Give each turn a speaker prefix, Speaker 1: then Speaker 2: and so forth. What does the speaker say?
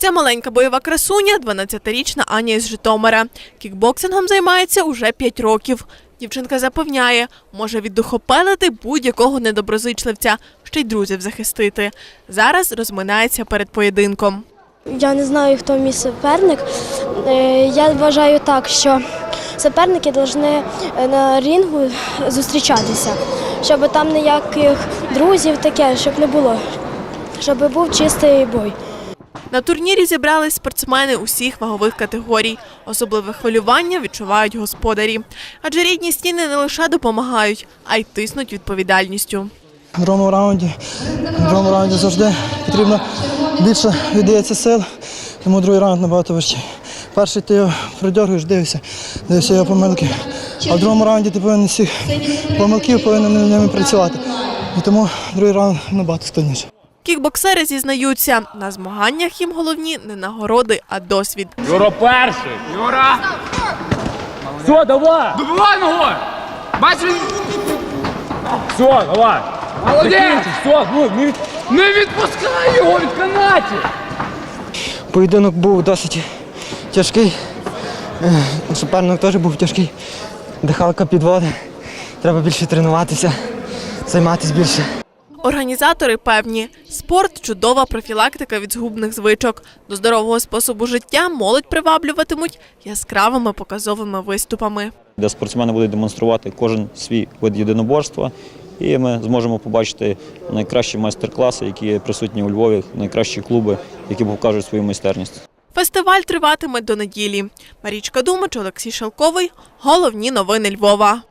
Speaker 1: Ця маленька бойова красуня – 12-річна Аня із Житомира. Кікбоксингом займається уже 5 років. Дівчинка запевняє, може віддухопелити будь-якого недоброзичливця, ще й друзів захистити. Зараз розминається перед поєдинком.
Speaker 2: Я не знаю, хто мій суперник. Я вважаю так, що суперники повинні на рінгу зустрічатися, щоб там ніяких друзів таке, щоб не було, щоб був чистий бой.
Speaker 1: На турнірі зібрались спортсмени усіх вагових категорій. Особливе хвилювання відчувають господарі. Адже рідні стіни не лише допомагають, а й тиснуть відповідальністю.
Speaker 3: В другому раунді завжди потрібно більше віддається сил, тому другий раунд набагато важчий. Перший ти його продьоргуєш, дивишся його помилки. А в другому раунді ти повинен всіх помилків повинен ними працювати. І тому другий раунд набагато складніше.
Speaker 1: Кікбоксери зізнаються, на змаганнях їм головні не нагороди, а досвід.
Speaker 4: Юра перший! Юра! Все, давай! Добивай ногою! Бачиш? Все, давай! Молодець! Все, не відпускай його від канатів!
Speaker 5: Поєдинок був досить тяжкий, суперник теж був тяжкий, дихалка підводить, треба більше тренуватися, займатися більше.
Speaker 1: Організатори певні, спорт – чудова профілактика від згубних звичок. До здорового способу життя молодь приваблюватимуть яскравими показовими виступами.
Speaker 6: Де спортсмени будуть демонструвати кожен свій вид єдиноборства, і ми зможемо побачити найкращі майстер-класи, які присутні у Львові, найкращі клуби, які покажуть свою майстерність.
Speaker 1: Фестиваль триватиме до неділі. Марічка Думач, Олексій Шелковий. Головні новини Львова.